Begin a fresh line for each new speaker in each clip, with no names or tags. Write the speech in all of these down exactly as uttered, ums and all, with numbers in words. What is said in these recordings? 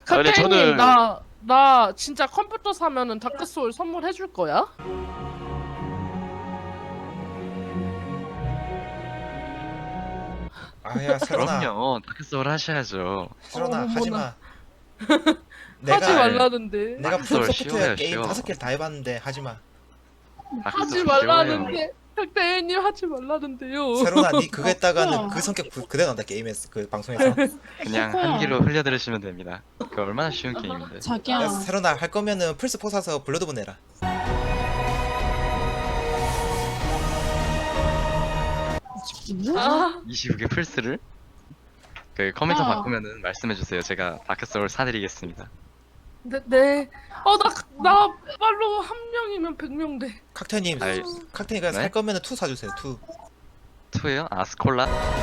근데
칵테일님
저는-
나, 나 진짜 컴퓨터 사면은 다크소울 선물해줄 거야?
아야 세로나
그럼요. 다크소울 하셔야죠.
세로나
어머나.
하지마.
하지
내가
말라는데.
내가
다크소울
풀
쉬워요,
소프트웨어 게임
쉬워.
다섯 개를 다 해봤는데 하지마.
하지
다크소울
말라는데. 칵테일님 하지 말라는데요.
세로나 니 그거 했다가는
없구나.
그 성격 그- 그대로 나온다 게임에서 그 방송에서.
그냥
그거야.
한 귀로 흘려들으시면 됩니다. 그 얼마나 쉬운 게임인데.
자기야.
야, 세로나 할 거면은 플스 포 사서 블러드본 내라.
아,
이십오 개 플스를 그 컴퓨터
아.
바꾸면은 말씀해주세요. 제가 다크소울 사드리겠습니다.
네, 네. 어, 나, 나 빨로 한 명이면 백 명 돼.
칵테님
아이,
칵테니가
네?
살 거면은 투 사주세요. 투.
투예요? 아스콜라?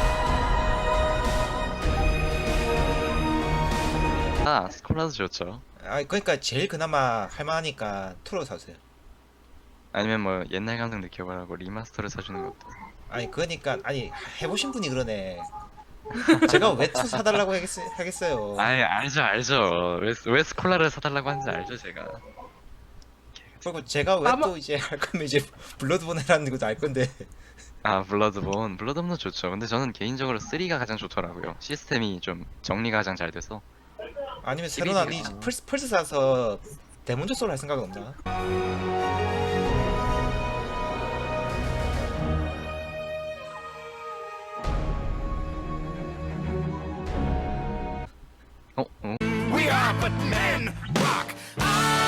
아, 아스콜라도 좋죠.
아 그러니까 제일 그나마 할만하니까 투로 사주세요.
아니면 뭐 옛날 감성 느껴보라고 리마스터를 사주는 것도.
아니 그러니까 아니 해보신 분이 그러네. 제가 왜 투 사달라고 하겠, 하겠어요.
아이 알죠 알죠. 왜, 왜 스콜라를 사달라고 하는지 알죠 제가.
그리고 제가 왜
아마-
또 이제 할 거면 이제 블러드본 해라는 것도 알 건데.
아 블러드본 블러드본도 좋죠. 근데 저는 개인적으로 쓰리가 가장 좋더라고요. 시스템이 좀 정리가 가장 잘 돼서.
아니면 세로나 니
시리즈가.
플스 플스 사서 데몬즈 소울 할 생각은 없나?
어? 어?
We are but men, rock.